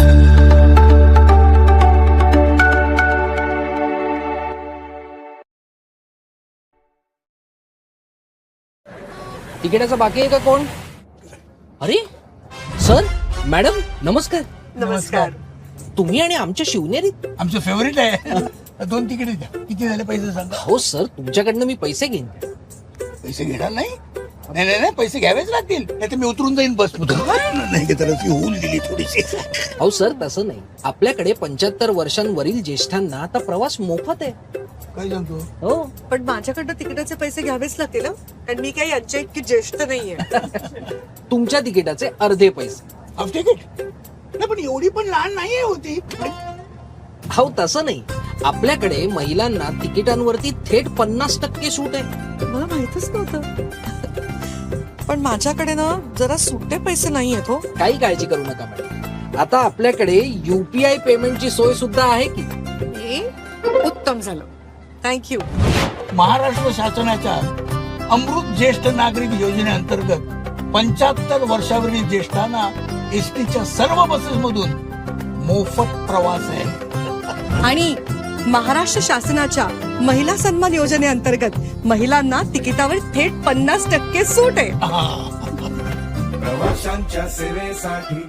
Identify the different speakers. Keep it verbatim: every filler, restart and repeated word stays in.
Speaker 1: तिकिटाचा बाकी आहे का कोण? अरे सर मॅडम नमस्कार.
Speaker 2: नमस्कार.
Speaker 1: तुम्ही आणि आमच्या शिवनेरीत
Speaker 3: आमचं फेवरेट आहे. दोन तिकीट द्या. किती झाले पैसे सांगा.
Speaker 1: हो सर तुमच्याकडनं मी पैसे घेईन.
Speaker 3: पैसे घेणार नाही? नाही नाही नाही पैसे घ्यावेच लागतील. नाही तर मी उतरून जाईन बस नाही की तर होऊन दिली थोडीशी.
Speaker 1: हो सर तसं नाही, आपल्याकडे पंच्याहत्तर वर्षांवरील ज्येष्ठांना आता प्रवास मोफत आहे.
Speaker 3: काय सांगतो?
Speaker 1: हो
Speaker 2: पण माझ्याकडनं तिकिटाचे पैसे घ्यावेच लागतील हं? कारण मी काही यांच्या इतकी ज्येष्ठ नाहीये.
Speaker 1: तुमच्या तिकिटाचे अर्धे पैसे.
Speaker 3: Half ticket? नाही पण एवढी पण लहान नाहीये होती.
Speaker 1: हो तसं नाही, आपल्याकडे महिलांना तिकिटांवरती थेट पन्नास टक्के सूट आहे.
Speaker 2: मला माहितच नव्हतं. पण माझ्याकडे ना जरा सुट्टे पैसे नाही आहेत हो.
Speaker 1: काही काळजी करू नका मॅडम, आता आपल्याकडे युपीआय पेमेंटची सोय सुद्धा आहे की.
Speaker 2: हे उत्तम झालं, थँक्यू.
Speaker 3: महाराष्ट्र शासनाच्या अमृत ज्येष्ठ नागरिक योजनेअंतर्गत पंच्याहत्तर वर्षावरील ज्येष्ठांना एसटीच्या सर्व बसेस मधून मोफत प्रवास आहे.
Speaker 2: आणि महाराष्ट्र शासनाच्या महिला सन्मान योजनेअंतर्गत महिलांना तिकिटावर थेट पन्नास टक्के सूट आहे.
Speaker 4: प्रवाशांच्या सेवेसाठी